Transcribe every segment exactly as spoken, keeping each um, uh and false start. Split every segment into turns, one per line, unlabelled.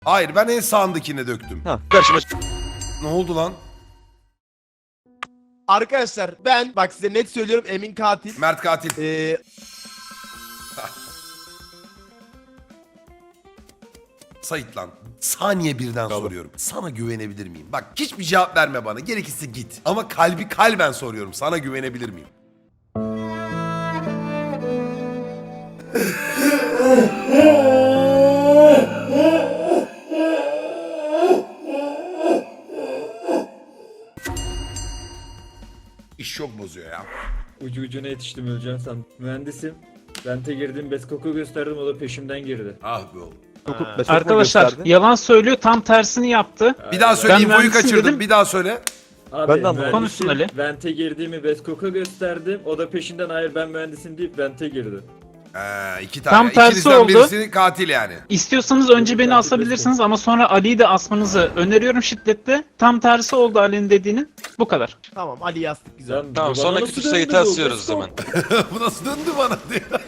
Hayır, ben en sağındakine döktüm.
Ha, karşıma.
Ne oldu lan?
Arkadaşlar ben bak size net söylüyorum, Emin katil.
Mert katil.
Ee,
Sait lan. Saniye birden soruyorum. Sana güvenebilir miyim? Bak hiçbir cevap verme bana. Gerekirse git. Ama kalbi kalben soruyorum. Sana güvenebilir miyim? İş çok bozuyor ya.
Ucu ucuna yetiştim öleceğim sandım. Mühendisim. Vente girdim, Beskok'u gösterdim, o da peşimden girdi.
Ah be oğlum.
Arkadaşlar yalan söylüyor, tam tersini yaptı.
Bir daha söyle,
Ben
infoyu
mühendisim
kaçırdım.
dedim.
Bir daha söyle.
Abi,
Ben de anlamadım.
mühendisim,
Konuşsun Ali.
Vente girdiğimi Beskok'a gösterdim, o da peşinden hayır ben mühendisim deyip Vente girdi.
Ee, iki tane.
Tam tersi
İkinizden
oldu.
birisi katil yani.
İstiyorsanız önce beni asabilirsiniz ama sonra Ali'yi de asmanızı öneriyorum şiddetle. Tam tersi oldu Ali'nin dediğinin. Bu kadar.
tamam, Ali yazdık güzel.
Lan,
Tamam,
bana
sonraki
nasıl
tur
döndü
sayıtı
bu?
asıyoruz o
Beskok.
zaman.
Bu nasıl döndü bana diyor.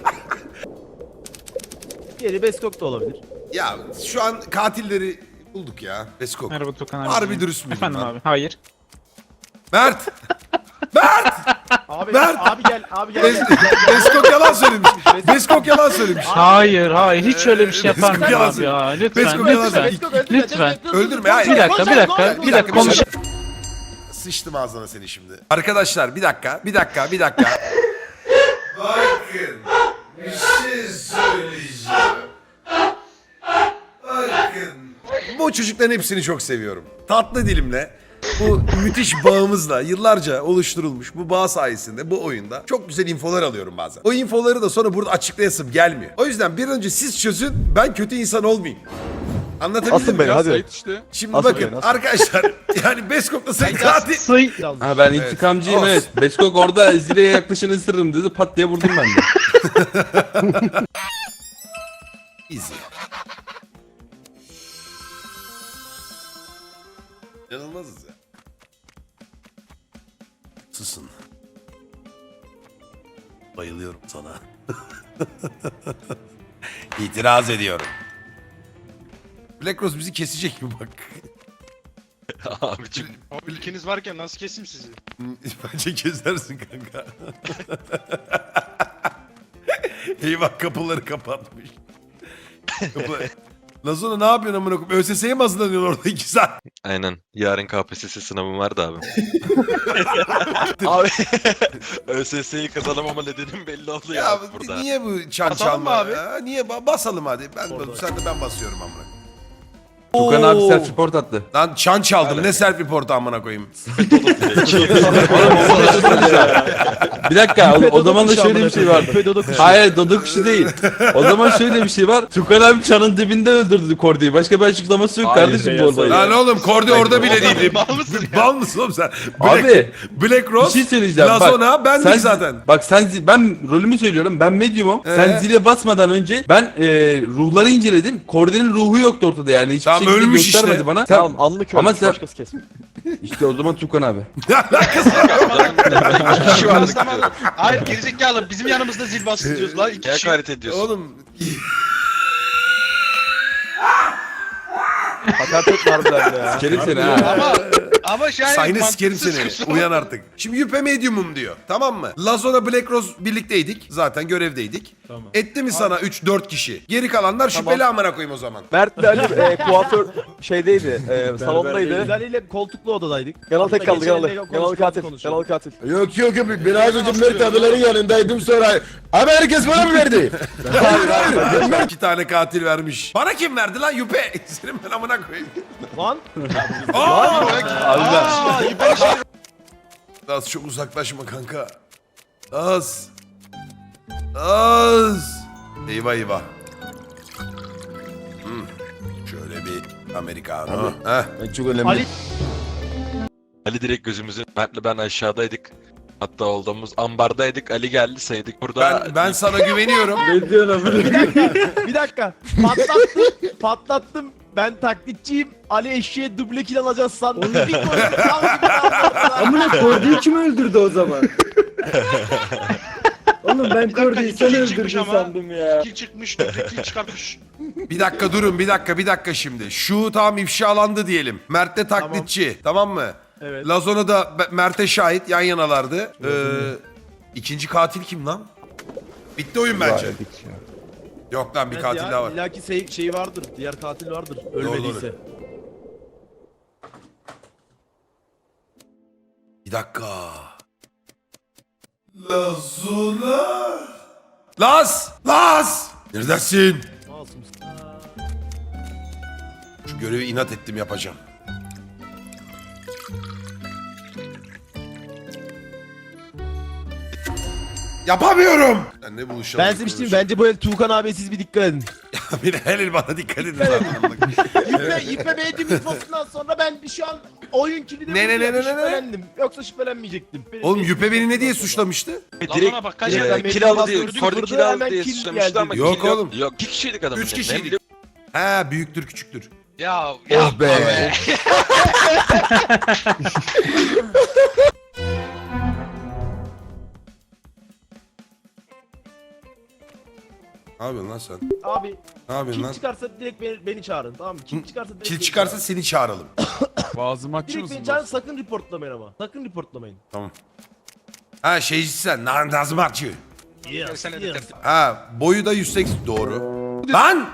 Diğeri Beskok da olabilir.
Ya şu an katilleri bulduk ya. Beskok.
Merhaba Tukan abi.
Harbi dürüst müydün
Efendim
lan?
abi. Hayır.
Mert! Mert!
Abi
Mert!
abi gel abi gel.
Bes- Beskok yalan söylemiş. Beskok yalan söylemiş.
Hayır hayır hiç öyle bir şey yapar
Beskok
mıyım
yalan
abi ya?
söylüyor.
Lütfen
Beskok yalan
lütfen.
söylüyor.
Lütfen.
Öldürme, hayır.
Bir dakika bir dakika bir dakika konuş.
Sıçtım ağzına seni şimdi. Arkadaşlar bir dakika, bir dakika, bir dakika. Bakın, bir şey söyleyeceğim. Bakın. Bu çocukların hepsini çok seviyorum. Tatlı dilimle, bu müthiş bağımızla yıllarca oluşturulmuş bu bağ sayesinde bu oyunda çok güzel infolar alıyorum bazen. O infoları da sonra burada açıklayasım gelmiyor. O yüzden bir önce siz çözün, ben kötü insan olmayayım. Anlatabildim
Asın
mi?
beni hadi.
Şimdi
Asın
bakın
beni, asın.
arkadaşlar yani Beskok'la sen katil.
Sıy.
Ha ben
Evet.
intikamcıyım
Olsun.
evet. Beskok orada Zile'ye yaklaşın ısırırım dedi, pat diye vurdum ben de.
Easy. İnanılmazız ya. Susun. Bayılıyorum sana. İtiraz ediyorum. Black Rose bizi kesecek mi bak?
Abicim.
Abi ilkiniz varken nasıl keseyim sizi?
Bence kesersin kanka. Eyvah kapıları kapatmış. Kapı... Lazona ne yapıyorsun amına koyayım? ÖSS'ye mi hazırlanıyorsun orada iki saat?
Aynen. Yarın K P S S sınavım vardı abi. Abi ÖSS'yi kazanamama nedenim belli oldu ya,
Ya
abi burada.
niye bu çan
Basalım
çalma?
mı abi?
Ha, niye ba- basalım hadi. Ben sen de ben basıyorum amına.
Tukan abi
Oo.
self report attı.
Lan çan çaldım. Ne self report amına koyayım.
Bir dakika o, o zaman da şöyle bir şey var.
Dodo kuşu.
Hayır dodo kuşu değil. O zaman şöyle bir şey var. Tukan abi çanın dibinde öldürdü Kordi'yi. Başka bir açıklaması yok
Hayır,
kardeşim
şey
bu olayı.
Lan oğlum Kordi orada bile değildi.
Mal mısın ya?
Bal mısın oğlum sen? Black,
Abi
Black
bir
Rose,
şey söyleyeceğim.
Lazona bendik
sen,
zaten.
Bak sen zi- ben rolümü söylüyorum. Ben medyumum.
Ee?
Sen zile basmadan önce ben e, ruhları inceledim. Kordi'nin ruhu yoktu ortada yani. Hiçbir
Tamam,
şekilde
ölmüş
göstermedi
işte.
bana. Sen,
Tamam anlık
Ama
ölmüş,
sen-
başkası kesmiş.
işte o zaman Tukan abi.
Ne alakası var?
Şu an hayır gerizekalı bizim yanımızda zil basıyoruz lan iki
Ne
kişi.
hakaret ediyorsun?
Oğlum
Hakaret etme harbiden ya.
Sikerim seni ha.
Ama ama şey
sayını sikerim
mantıksız
seni. Uyan artık. Şimdi Yüpe Medium'um diyor. Tamam mı? Lazona Black Rose birlikteydik. Zaten görevdeydik.
Tamam.
Etti mi sana üç dört kişi? Geri kalanlar şüpheli amına koyayım o zaman.
Mert de Ali e, kuaför şeydeydi, e, salondaydı.
Biz Ali ile koltuklu odadaydık.
Yanal tek kaldı,
Geçen
Yanal.
de
Yanal
konuşuyoruz,
katil,
konuşuyoruz.
Yanal katil.
Yok yok yok biraz önce Mert abilerin yanındaydım sonra abi herkes bana mı verdi? Hayır hayır.
İki tane katil vermiş. Bana kim verdi lan Yüpe? Senin ben amına koyayım.
Lan
Aa!
Aa, yukarı şey.
Az çok uzaklaşma kanka. Az. Az. Eyvah eyvah. Hmm. Şöyle bir Americano. Heh.
Çok önemli.
Ali
Ali direkt gözümüzün, Mert'le ben aşağıdaydık. Hatta olduğumuz ambardaydık. Ali geldi saydık burada.
Ben ben sana güveniyorum.
Ne diyorsun amına?
bir dakika bir dakika patlattım patlattım. Ben taklitçiyim. Ali eşeğe duble kill alacağız sandım. Bir koydum, tam gibi kaldı ortada.
Amına Kordi'yi kim öldürdü o zaman? O Oğlum ben
Bir dakika,
Kordi'yi
iki
sen
kill çıkmış
öldürdün
ama.
sandım ya.
Kill çıkmış, dörtte kill çıkartmış.
Bir dakika durun bir dakika bir dakika şimdi. Şu tam ifşalandı diyelim. Mert'te taklitçi tamam, mı?
Evet.
Lazona da Be- Mert'e şahit yan yanalardı. Ee, ikinci katil kim lan? Bitti oyun bence. Yok lan bir
Evet
katil
ya,
daha var.
İlla ki şey, şey vardır. Diğer katil vardır. Ölmediyse.
Bir dakika. Lazona. Laz! Laz! Neredesin?
Masum.
Şu görevi inat ettim yapacağım. Yapamıyorum. Ben ne buluşalım?
Ben size bir şey diyeyim, bence bu el Tuğkan abi siz bir dikkat edin.
Bir helal bana dikkat edin zaten.
Yüpe, yüpe beğendiğim infosundan sonra ben bir şu an oyun kilidi
Ne, ne, ne, ne, ne, ne?
şüphelendim. Yoksa şüphelenmeyecektim. Benim
Oğlum
benim-
Yüpe beni ne diye suçlamıştı?
Lazona bak kaç
Direkt-
yerde.
ben-
Kill aldı diye,
Gördük,
Kordi
vurdu,
kill aldı
hemen
diye
kill
suçlamıştı ama
geldi.
Yok
kill
oğlum.
Yok iki kişiydik adamın.
Üç
yanında.
kişiydik. He büyüktür küçüktür.
Ya ya
Oh be.
Ne yapıyorsun lan sen?
Abi
Ne yapıyorsun
kim
lan?
çıkarsa direkt beni, beni çağırın, tamam mı? Kim çıkarsa direkt
Kil
beni
çıkarsa
çağırın.
seni çağıralım.
Boğazımı açıyor
Direkt
musun?
beni çağırın, sakın reportlamayın ama. Sakın reportlamayın.
Tamam. Ha şeyci sen. Na- Nazım Akçı.
Yes,
sen
yes.
edit.
Ha boyu da yüz seksen. Doğru. Lan!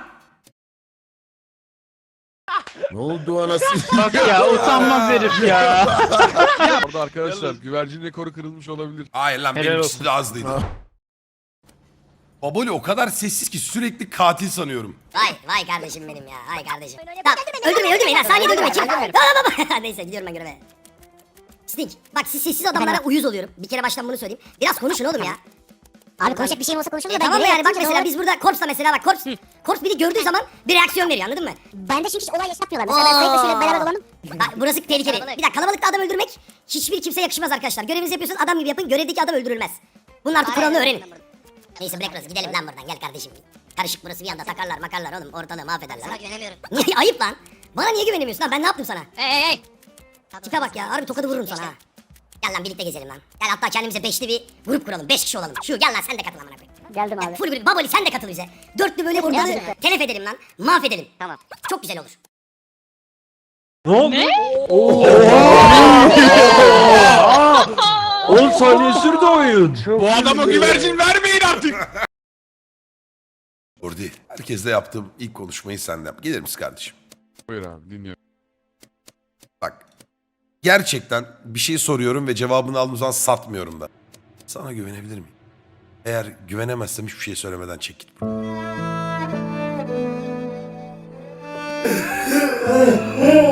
Ne oldu anasını?
Bak ya utanmaz herif ya.
Orada arkadaşlar güvercin rekoru kırılmış olabilir.
Hayır lan
Helal
benimkisi
olsun.
de azdıydı. Baboli o kadar sessiz ki sürekli katil sanıyorum.
Vay vay kardeşim benim ya. Vay kardeşim. Tamam öldürmeyin öldürmeyin ha. Saniyede öldürmeyin. Kim? Tamam tamam. Neyse gidiyorum ben göreve. Stink. Bak siz sessiz adamlara uyuz oluyorum. Bir kere baştan bunu söyleyeyim. Biraz konuşun oğlum ya.
Abi konuşacak bir şeyim olsa konuşurum
E
da ben
tamam mı
görev
yani bak
yaptığım için
mesela
doğru-
biz burada Korps'ta mesela bak Korps. Korps biri gördüğü zaman bir reaksiyon veriyor anladın mı?
Ben de çünkü hiç olay yaşatmıyorlar. Mesela ben Sayık'la şöyle beraber dolandım.
Bak burası tehlikeli. Bir dakika kalabalıkta adam öldürmek hiçbir kimseye yakışmaz arkadaşlar. Görevinizi yapıyorsunuz adam gibi yapın. Görevdeki adam öldürülmez. Bunun artık kuralını öğrenin. Neyse bırak burası gidelim lan buradan gel kardeşim. Karışık burası bir anda takarlar makarlar oğlum ortalığı mahvederler.
Sana güvenemiyorum.
Niye ayıp lan? Bana niye güvenemiyorsun lan ben ne yaptım sana?
Hey hey hey.
Tipe bak ya harbi tokadı vururum sana ha. Gel lan birlikte gezelim lan. Gel hatta kendimize beşli bir grup kuralım. Beş kişi olalım. Şu gel lan sen de katıl amına koyayım.
Geldim
Ya
abi.
full bir Baboli sen de katıl bize. Dörtlü böyle ortalığı
Geldim.
telef edelim lan. Mahvedelim.
Tamam.
Çok güzel olur.
on saniye sürdü oyun.
Bu adama güvercin vermeyin artık.
Ordi. Herkesle yaptığım ilk konuşmayı senden. Gelir misin kardeşim?
Buyur abi dinliyorum.
Bak. Gerçekten bir şey soruyorum ve cevabını aldığım zaman satmıyorum da. Sana güvenebilir miyim? Eğer güvenemezsem hiçbir şey söylemeden çek git buradan.